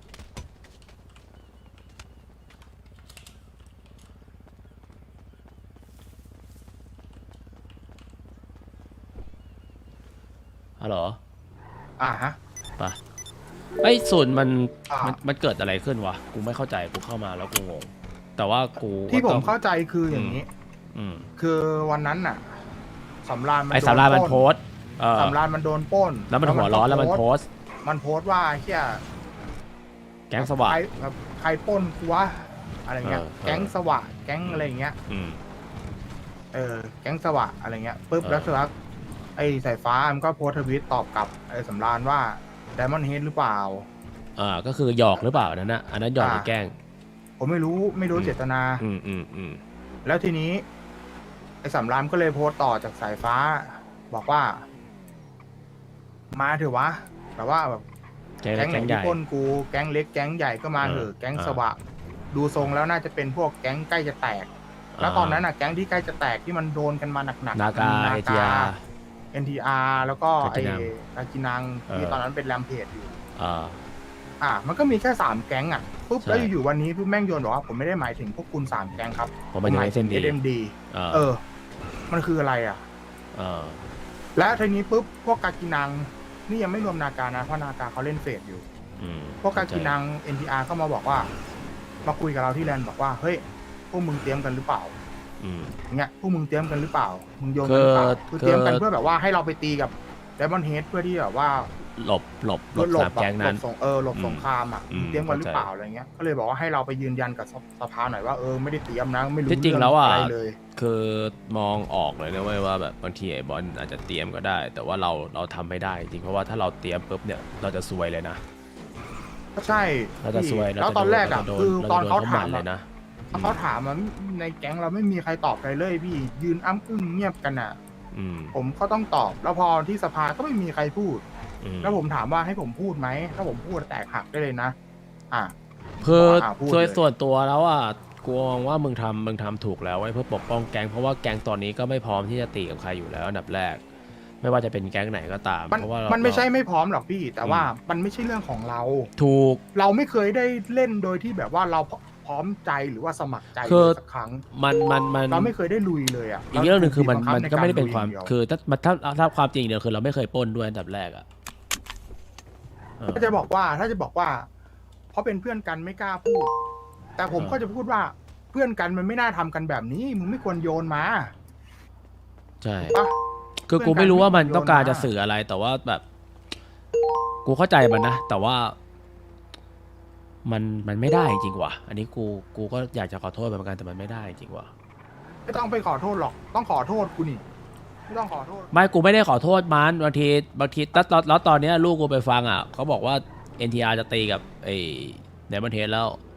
Speaker 3: ฮัลโหล
Speaker 1: อ่าฮะ
Speaker 3: ไปไอ้ยศูนย์มัน
Speaker 1: อ่ามั
Speaker 3: มันมันเกิดอะไรขึ้นวะ กูไม่เข้าใจ กูเข้ามาแล้วกูงง แต่ว่ากู
Speaker 1: ที่ผ
Speaker 3: ต้
Speaker 1: ม
Speaker 3: อง
Speaker 1: เข้าใจคืออย่างนี้
Speaker 3: อืม
Speaker 1: คือวันนั้นน่ะสำราญมัน
Speaker 3: ไอ้
Speaker 1: โด
Speaker 3: สารานมัน
Speaker 1: ปล้
Speaker 3: โพสต์เออ
Speaker 1: สำราญมันโดนปล้น
Speaker 3: แล้วมันหัวร้อนแล้วมันโพสต์
Speaker 1: มันโพสต์ว่าเฮีย
Speaker 3: แก๊งสว่าง
Speaker 1: ใครแบบใครปล้นกูวะอะไรเงี้ย
Speaker 3: เออเออ
Speaker 1: แก๊งสว่างแก๊งอะไรเงี้ย
Speaker 3: อืม
Speaker 1: เออแก๊งสว่างอะไรเงี้ยปุ๊บ
Speaker 3: เออ
Speaker 1: แล้วสักพักไอ้สายฟ้ามันก็โพสต์ทวิตตอบกลับไอ้สำราญว่าไดมอนด์เฮดหรือเปล่า
Speaker 3: อ่า ก็คือหยอกหรือเปล่าอันนั้นนะอันนั้นหยอกหรือแกล้ง
Speaker 1: ผมไม่รู้ไม่รู้
Speaker 3: อืม
Speaker 1: เจตนา
Speaker 3: อืมอืมอืม
Speaker 1: แล้วทีนี้ ไอ้สำรามก็เลยโพสต์ต่อจากสายฟ้า บอกว่า มาเถอะวะแต่ว่าแบบ
Speaker 3: แก๊ง
Speaker 1: แก๊งไหน
Speaker 3: แก๊งให
Speaker 1: ที่
Speaker 3: ญ่
Speaker 1: ปล้นกูแก๊งเล็กแก๊งใหญ่ก็มาเถอะ
Speaker 3: เออ
Speaker 1: แก๊ง
Speaker 3: เออ
Speaker 1: สวะดูทรงแล้วน่าจะเป็นพวกแก๊งใกล้จะแตก แล้วตอนนั้นน่ะแก๊งที่ใกล้จะแตกที่มันโดนกันมาหนักๆ
Speaker 3: นากา
Speaker 1: มี
Speaker 3: เอทีอาร์
Speaker 1: เอ็นทีอาร์แล้วก็ไอ้
Speaker 3: กากินัง
Speaker 1: กากินังที่
Speaker 3: เออ
Speaker 1: ตอนนั้นเป็นแรมเพจอยู่
Speaker 3: อ่า
Speaker 1: อ่ะมันก็มีแค่สามแก๊งอ่ะปุ๊บ
Speaker 3: ใช่
Speaker 1: แล้วอยู่ๆวันนี้ปุ๊บแม่งโยนบอกว่าผมไม่ได้หมายถึงพวกคุณสามแก๊งครับ
Speaker 3: ผมหมายถึง
Speaker 1: หมายถึง
Speaker 3: เอส
Speaker 1: เอ็
Speaker 3: เอ็ม
Speaker 1: ม
Speaker 3: ดี
Speaker 1: ดี
Speaker 3: อ่า
Speaker 1: เออ มันคืออะไรอ่ะ
Speaker 3: อ่า
Speaker 1: และทีนี้ปุ๊บพวกกากินังนี่ยังไม่รวมนาการนะเพราะนาการเขาเล่นเฟดอยู่
Speaker 3: อืม
Speaker 1: พวกกากินัง เอ็น ที อาร์ เข้ามาบอกว่า มาคุยกับเราที่แลนด์บอกว่าเฮ้ยพวกมึงเตรียมกันหรือเปล่า
Speaker 3: อืม
Speaker 1: อย่างเงี้ยพวกมึงเตรียมกันหรือเปล่า มึงโยนกันหรือเปล่า
Speaker 3: คือ
Speaker 1: คือเตรียมกัน
Speaker 3: คือ
Speaker 1: เพื่อแบบว่าให้เราไปตีกับไดมอนด์เฮดเพื่อที่แบบว่า
Speaker 3: หลบหลบหลบ
Speaker 1: หล
Speaker 3: สา
Speaker 1: บ
Speaker 3: มแก๊งนั้น
Speaker 1: หลบสงเออหลบ
Speaker 3: อืม
Speaker 1: สงครามอ่ะ
Speaker 3: อืม
Speaker 1: มึงเตรียมกันหรือเปล่า
Speaker 3: เข้าใจ
Speaker 1: อะไรเงี้ยก็เลยบอกว่าให้เราไปยืนยันกับสสภาหน่อยว่าเออไม่ได้เตรียมนะไม่รู้
Speaker 3: ที่จริง
Speaker 1: เอ
Speaker 3: แล้วอ่ะ
Speaker 1: อะไรเลย
Speaker 3: คือมองออกเลยนะเว้ยว่าแบบบางทีไอ้บอลอาจจะเตรียมก็ได้ แต่ว่าเราเราทำไม่ได้จริงเพราะว่าถ้าเราเตรียมปุ๊บเนี่ยเราจะซวยเลยนะ
Speaker 1: ก็ใช่
Speaker 3: เราจะซวย
Speaker 1: แล้วตอนแรกอ่ะ
Speaker 3: เราจะโดน
Speaker 1: คือตอนเขา
Speaker 3: เราจะโดน
Speaker 1: ถาม
Speaker 3: เขาหมั่นเล
Speaker 1: อะ
Speaker 3: ยนะ
Speaker 1: เขาถามมันในแก๊งเราไม่มีใครตอบใครเลยพี่ยืนอ้ำอึ้งเงียบกันอ่ะ
Speaker 3: อืม
Speaker 1: ผมก็ต้องตอบ แล้วพอที่สภาก็ไม่มีใครพูด
Speaker 3: อืม
Speaker 1: แล้วผมถามว่าให้ผมพูดไหมถ้าผมพูดแตกหักได้เลยนะ อ่ะ
Speaker 3: คือ
Speaker 1: อ่ะพูด
Speaker 3: ส่วน
Speaker 1: เลย
Speaker 3: ส่วนตัวแล้วอ่ะกูมองว่ามึงทำมึงทำถูกแล้วไว้เพื่อปกป้องแก๊งเพราะว่าแก๊งตอนนี้ก็ไม่พร้อมที่จะตีกับใครอยู่แล้วอันดับแรก ไม่ว่าจะเป็นแก๊งไหนก็ตาม
Speaker 1: มัน
Speaker 3: เพราะว่า
Speaker 1: มั
Speaker 3: มัน
Speaker 1: ไม่ใช่ไม่พร้อมหรอกพี่ แต่ว่ามันไม่ใช่เรื่องของเรา
Speaker 3: ถูก
Speaker 1: เราไม่เคยได้เล่นโดยที่แบบว่าเราพร้อมใจหรือว่าสมัครใจ
Speaker 3: คือ
Speaker 1: เลยสักครั้ง
Speaker 3: มันมันมัน
Speaker 1: เราไม่เคยได้ลุยเลยอ่ะ
Speaker 3: อีกเรื่องหนึ่งคือมัน
Speaker 1: ราถูก
Speaker 3: มัน
Speaker 1: บีบ
Speaker 3: ก็
Speaker 1: บังคับ
Speaker 3: ไม่ได้เป็นความ
Speaker 1: ใกรลุยย่งดีย
Speaker 3: คือถ้ามันถ้าถ้าความจริงเนี่ยคือเราไม่เคยปล้นด้วยอันดับแรกอ่ะเออ
Speaker 1: ก็จะบอกว่าถ้าจะบอกว่า เพราะเป็นเพื่อนกันไม่กล้าพูด แต่ผม
Speaker 3: เออ
Speaker 1: ก็จะพูดว่าเพื่อนกันมันไม่น่าทำกันแบบนี้มึงไม่ควรโยนมา
Speaker 3: ใช่
Speaker 1: ปะ
Speaker 3: คือ
Speaker 1: เพื่
Speaker 3: กู
Speaker 1: อนกัน
Speaker 3: ไม่รู้ว่ามัน
Speaker 1: ไม่ควร
Speaker 3: ต้องการ
Speaker 1: โยนมา
Speaker 3: จะสื่ออะไร แต่ว่าแบบ กูเข้าใจมันนะ แต่ว่า มันมันไม่ได้จริงว่ะ อันนี้กูกูก็อยากจะขอโทษมันเหมือนกันแต่มันไม่ได้จริงว่ะ
Speaker 1: ไม่ต้องไปขอโทษหรอก ต้องขอโทษกูนี่ไม่ต้องขอโทษ
Speaker 3: ไม่กูไม่ได้ขอโทษมันบางทีบางทีแล้วแล้วแล้วตอนเนี้ยลูกกูไปฟังอ่ะเขาบอกว่า เอ็น ที อาร์ จะตีกับไอ้เดมอนเทสแล้ว